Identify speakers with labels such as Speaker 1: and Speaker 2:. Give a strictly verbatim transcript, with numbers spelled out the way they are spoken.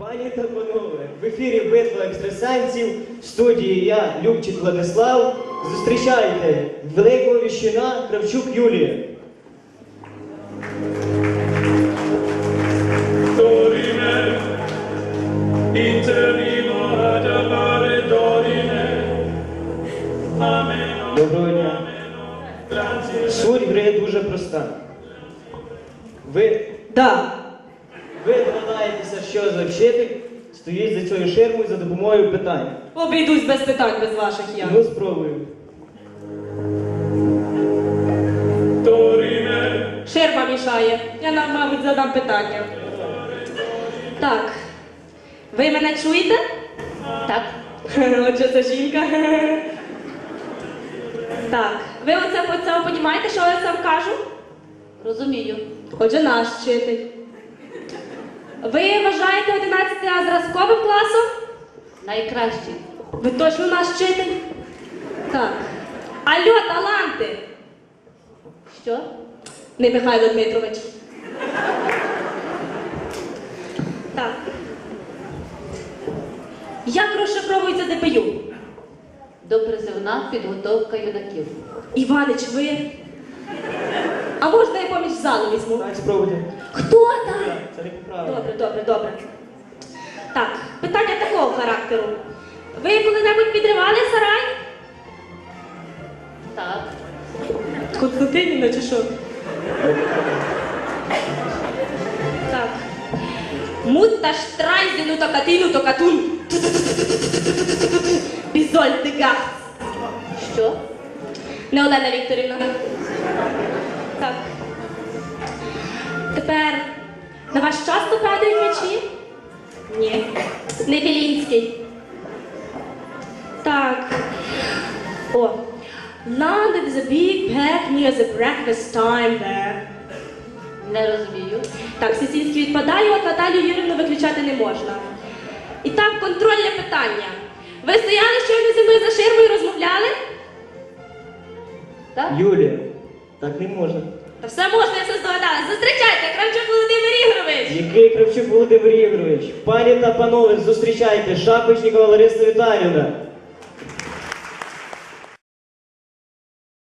Speaker 1: Пані та панове, в ефірі «Битва екстрасенсів», в студії я, Любчик Владислав. Зустрічайте великого віщуна Кравчук Юлія. Доброго дня. Суть гри дуже проста. Ви...
Speaker 2: Да.
Speaker 1: Ви догадаєтеся, що за вчитель стоїть за цією ширмою за допомогою питань.
Speaker 2: Обійдусь без питань, без ваших я.
Speaker 1: Ну, спробую.
Speaker 2: Ширма мішає. Я нам, мабуть, задам питання. Так. Ви мене чуєте?
Speaker 3: Так.
Speaker 2: Отже, це жінка. Так. Ви оце по цьому розумієте, що я сам кажу?
Speaker 3: Розумію.
Speaker 2: Отже, наш вчитель. Ви вважаєте одинадцятий А зразковим класом?
Speaker 3: Найкращий.
Speaker 2: Ви точно наш вчитель? Так. Алло, таланти!
Speaker 3: Що?
Speaker 2: Не Михайло Дмитрович. Так. Як розшифровується Д П Ю?
Speaker 3: Допризивна підготовка юнаків.
Speaker 2: Іванич, ви? А можна я поміч з залу візьму?
Speaker 1: Так, спробуйте.
Speaker 2: Хто там?
Speaker 1: Це не поправило.
Speaker 2: Добре, добре, добре. Так, питання такого характеру. Ви коли-небудь підривали сарай?
Speaker 3: Так.
Speaker 2: Константинівна чи що? Так. Мутта штрайзену то катину то катун. Бізоль дегас.
Speaker 3: Що?
Speaker 2: Не Олена Вікторівна. Так. Тепер, на вас часто падають м'ячі? Ні. Не Білінський. Так. О. Now there is a big pack near the breakfast time there.
Speaker 3: Не розумію.
Speaker 2: Так, Сісінський відпадає, от Наталію Юрівну виключати не можна. І так, контрольне питання. Ви стояли щойно зі мною за ширмою і розмовляли?
Speaker 3: Так?
Speaker 1: Юлія, так не можна.
Speaker 2: Та все можна, я все здогадалась. Зустрічайте, Кравчук Володимир Ігорович!
Speaker 1: Який Кравчук Володимир Ігорович? Пані та панове, зустрічайте Шапочникова Лариса Віталіївна.